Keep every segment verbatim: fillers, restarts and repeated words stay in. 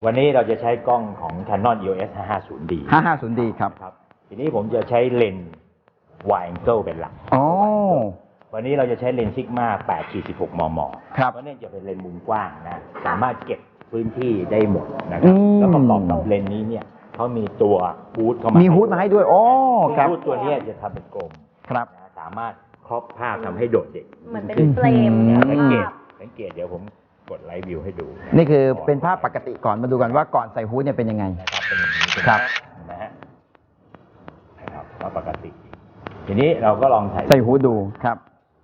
วันนี้เราจะใช้กล้องของ Canon อี โอ เอส ห้าห้าศูนย์ ดีห้าห้าศูนย์ ดี ครับครับทีนี้ผมจะใช้เลนส์ wide angle เป็นหลักอ๋อวันนี้เราจะใช้เลนส์ซิกมา แปด สิบหก มมครับเพราะนี่จะเป็นเลนส์มุมกว้างนะสามารถเก็บพื้นที่ได้หมดนะครับแล้วประกอบกับเลนส์นี้เนี่ยเขามีตัวฮูดเข้ามามีฮูดมาให้ด้วยอ๋อครับฮูดตัวนี้จะทำเป็นกลมครับสามารถครอบภาพทำให้โดดเด่นเหมือนเป็นเฟรมสังเกตภาพสังเกตเดี๋ยวผมกดไลฟ์วิวให้ดูนี่คือเป็นภาพปกติก่อนมาดูกันว่าก่อนใส่ฮูดเนี่ยเป็นยังไงนะครับเป็นอย่างนี้ครับนะฮะนะครับว่าปกติ ทีนี้เราก็ลองใส่ใส่ฮูดดูครับ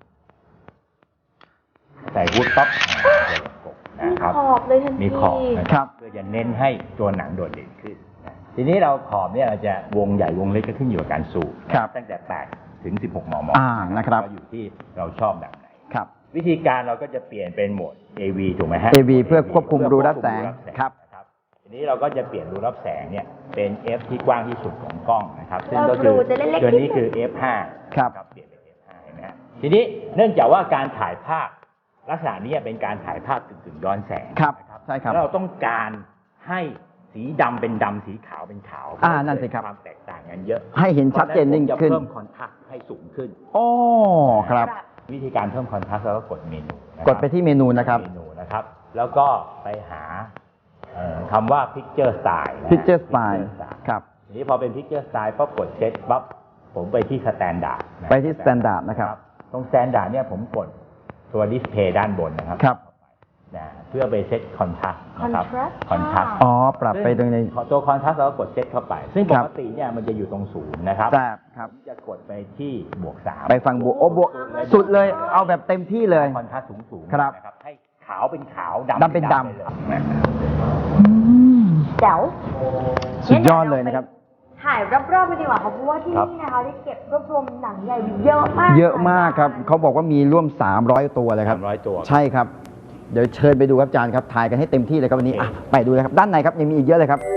ใส่ฮูดปั๊บนะครับมีขอบเลยทันทีมีขอบนะครับเพื่อจะเน้นให้ตัวหนังโดดเด่นขึ้นทีนี้เราขอบเนี่ยเราจะวงใหญ่วงเล็กก็ขึ้นอยู่กับการซูมตั้งแต่แปดถึงสิบหก มมอ่านะครับก็อยู่ที่เราชอบแบบไหนครับวิธีการเราก็จะเปลี่ยนเป็นโหมด เอ วี ถูกไหมฮะเอ วี เพื่อควบคุมรูรับแสงครับทีนี้เราก็จะเปลี่ยนรูรับแสงเนี่ยเป็น F ที่กว้างที่สุดของกล้องนะครับซึ่งก็คือตัวนี้คือ เอฟ ห้าครับเปลี่ยนเป็น เอฟ ห้า เห็นไหมฮะทีนี้เนื่องจากว่าการถ่ายภาพลักษณะนี้เป็นการถ่ายภาพกึ่งๆย้อนแสงครับใช่ครับแล้วเราต้องการให้สีดำเป็นดำสีขาวเป็นขาวอ่านั่นสิครับความแตกต่างกันเยอะให้เห็นชัดเจนยิ่งขึ้นเพิ่มคอนทราสต์ให้สูงขึ้นโอ้ครับวิธีการเพิ่มคอนทราสต์เราก็กดเมนูกดไปที่เมนูนะครับเมนูนะครับแล้วก็ไปหาคำว่า Picture Style Picture Style ครับทีนี้พอเป็น Picture Style ปั๊บกดเซตปั๊บผมไปที่ Standard ไปที่ Standard นะครับตรง Standard เนี่ยผมกดตัว Display ด้านบนนะครับครับนะเพื่อไปเซตคอนทราสต์นะครับคอนทราสต์อ๋อปรับไปตรงในตัวคอนทราสต์เราก็กดเซตเข้าไปซึ่งปกติเนี่ยมันจะอยู่ตรงศูนย์นะครับครับจะกดไปที่บวกสามไปฟังบวกโอ้บวกสุดเลยเอาแบบเต็มที่เลยคอนทราสต์สูงๆครับนะครับให้ขาวเป็นขาวดำดำเป็นดำแจ๋วสุดยอดเลยนะครับถ่ายรอบๆไปดีกว่าครับเพราะว่าที่นี่นะคะได้เก็บรวบรวมหนังใหญ่เยอะมากเยอะมากครับเขาบอกว่ามีร่วมสามร้อยตัวเลยครับสามร้อยตัวใช่ครับเดี๋ยวเชิญไปดูครับอาจารย์ครับถ่ายกันให้เต็มที่เลยครับวันนี้อ่ะไปดูเลยครับด้านในครับยังมีอีกเยอะเลยครับ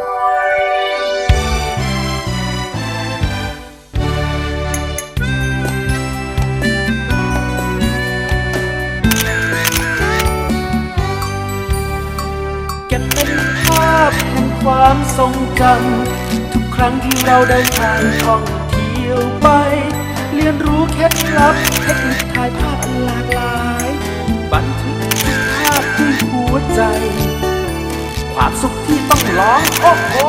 เก็บเป็นภาพแห่งความทรงจำทุกครั้งที่เราเดินทางท่องเที่ยวไปเรียนรู้เคล็ดลับเทคนิคถ่ายภาพอันหลากหลายบันทึกทุกภาพด้วยหัวใจความสุขที่ต้องลองโอ้โห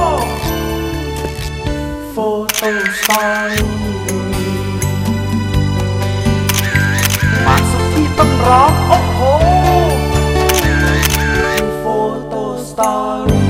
โฟโต้สตอรี่ความสุขที่ต้องร้องโอ้โหโฟโต้สตอรี่